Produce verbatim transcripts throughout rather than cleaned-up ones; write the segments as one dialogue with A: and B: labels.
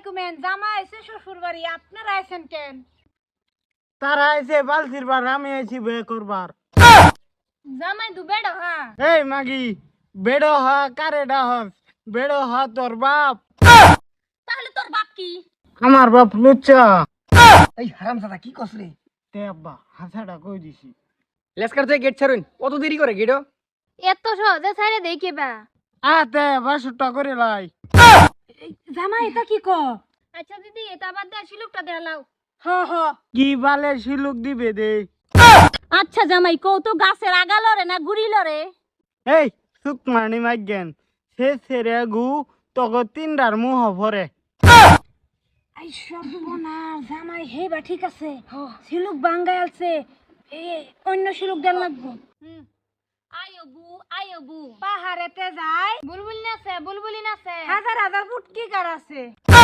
A: কইমেন জামা আইছে শ্বশুর বাড়ি আপনারা আইছেন কেন?
B: তারা আইছে বালতির বার আমি আইছি বে করবার।
A: জামাই দু বেড়ো হ্যাঁ।
B: এই মাগি বেড়ো হ কারে ডাহ বেড়ো হ তোর বাপ।
A: তাহলে তোর বাপ কি?
B: আমার বাপ লুচ্চা।
C: এই হারামজাদা কি কস রে?
B: তে আব্বা হাসাটা কই দিছি।
C: লেসকার থেকে গেট ছাড়ুন, কত দেরি করে গেটও?
A: এত সহজে ছাইরে দেই কেবা?
B: আতে বাসুটা করে লাই।
A: জামাই এটা কি ক? আচ্ছা দিদি এটা বাদ দে শিলুকটা দেখাও। হ হ।
B: কি বালে শিলুক দিবে দে।
A: আচ্ছা জামাই কও তো গাছের আগা লরে না গুড়ি লরে?
B: এই সুকমানি মাইগেন সে সেরে গু তগো তিনডার মুহ ভরে।
A: আই সর্বনাশ জামাই হেবা ঠিক আছে। শিলুক বাঙ্গাই আলছে। এ অন্য শিলুক দেন লাগবো। হুম। আয়ো বু আয়ো বু পাহাড়েতে যায় বুলবুলি নাচে বুলবুলি নাচে হাজার হাজার ফুটকি কার আছে।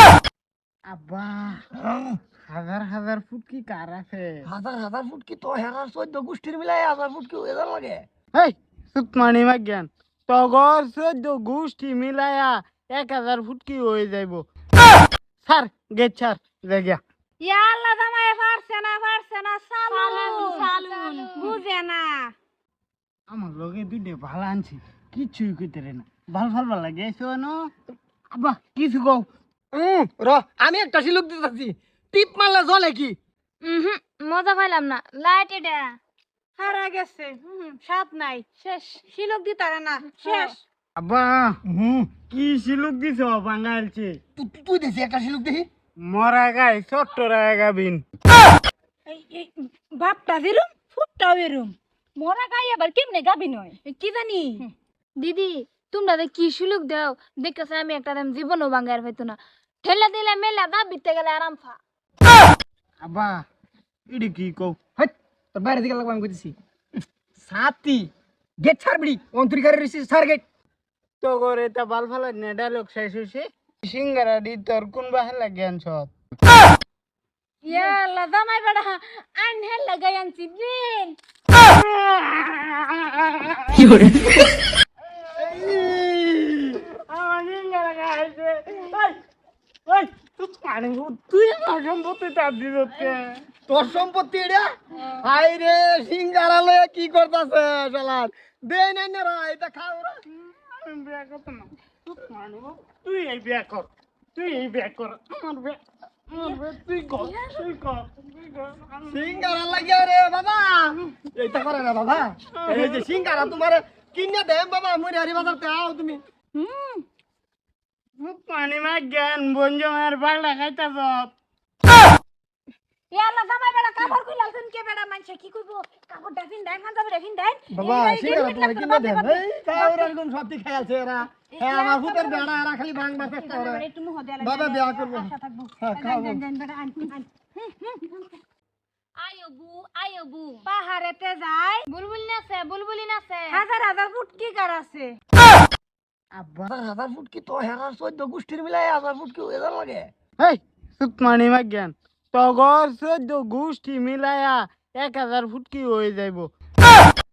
B: আব্বা হাজার হাজার ফুট কি কার আছে?
C: হাজার হাজার ফুট কি তো হেরার চোদ্দ গোষ্ঠীর মিলাই হাজার ফুট কি হয়ে লাগে?
B: এই সুকমানি মাইগেন তগর চোদ্দ গোষ্ঠী মিলায়া এক হাজার ফুট কি হয়ে যাইব। স্যার গেট ছাড় জায়গা।
A: ইয়া আল্লাহ জামাই পারছে না পারছে না সালুন সালুন বুঝে না।
B: আমার লগে দুইটা ভালো আনছি কিছুই কইতে রে না ভাল ভাল ভাল লাগে শোনো আব্বা কিছু কও।
C: হুম র আমি একটা শিলুক দিতেছি, টিপ মারলে জ্বলে কি?
A: হুম মজা পাইলাম না লাইট এটা হারা গেছে। হুম সাপ নাই শেষ শিলক দিতারে না শেষ।
B: আব্বা
C: হুম
B: কি শিলুক দিছ বাঙালছে
C: তুই তুই দেখছি একটা শিলুক দেখি।
B: মরা গাই ছোট্ট রায় গাবিন।
A: এই এই বাপটা বেরুম ফুটটা বেরুম মরা গাই আবার কেমনে গাবি নয় কি জানি। দিদি তোমরা দে কি সুলুক দাও দেখতেছ আমি একটা দাম জীবনও বাঙ্গার হইতো না ঠেলা দিলে মেলা দা বিতে গেলে আরাম ফা।
B: আব্বা ইডি কি কও।
C: হাট তোর বাইরে দিকে লাগবে আমি কইতেছি। সাতি গেট ছাড়বি অন্তরিকারে রিসি ছাড় গেট।
B: তো করে তা বাল ফালা নে ডায়লগ শেষ হইছে সিঙ্গারা দি তোর কোন বাহেলা জ্ঞান সব।
A: ইয়া আল্লাহ জামাই বড় আন হেল লাগাই আনছি দিন।
C: কি করে?
B: আমার সিঙ্গারা খাইছে। ওই ওই তুই পানি তুই আমার সম্পত্তি তার দিতে।
C: তোর সম্পত্তি এটা? হাই রে সিঙ্গারা লয়ে কি করতাছে শালার? দে নাই না রা এটা খাও রা।
B: আমি বিয়া করতে না তুই পানি তুই এই বিয়া কর তুই এই বিয়া কর আমার বিয়া আমার বিয়া তুই কর তুই কর তুই কর।
C: সিঙ্গারা লাগিয়া রে বাবা, এইটা করে না বাবা। এই যে সিঙ্গারা তোমারে কিনে দেম বাবা, মুই হারি বাজার তে আও তুমি।
A: হুম
B: পানি মা জ্ঞান বঞ্জমের বাড়া খাইতা সব।
A: ইয়া আল্লাহ জামাই বড় কাপড় কই লালছেন কে বেড়া মানছে কি কইবো কাপড়টা ফিন দেন খান যাবে ফিন দেন
C: বাবা সিঙ্গারা তোমারে কিনে দেম। এই খাও রে একদম সত্যি খাইছে এরা। হ্যাঁ আমার ফুটের বেড়া এরা খালি ভাঙবার চেষ্টা করে।
A: একটু মুহ দেয়া
C: বাবা বিয়া করব।
A: আশা থাকবো।
C: হ্যাঁ খাও।
A: দেন দেন বেড়া আন আন আয়ো বু আয়ো বু পাহাড়েতে যায় বুলবুলি নাচে বুলবুলি নাচে হাজার হাজার ফুটকি কার আছে।
B: আব্বা
C: হাজার হাজার ফুট কি তো হেরার চোদ্দ গোষ্ঠীর মিলাই হাজার ফুট কি হয়ে লাগে?
B: এই সুকমানি মা জ্ঞান তগর চোদ্দ গোষ্ঠী মিলায়া এক হাজার ফুট কি হয়ে যাইব।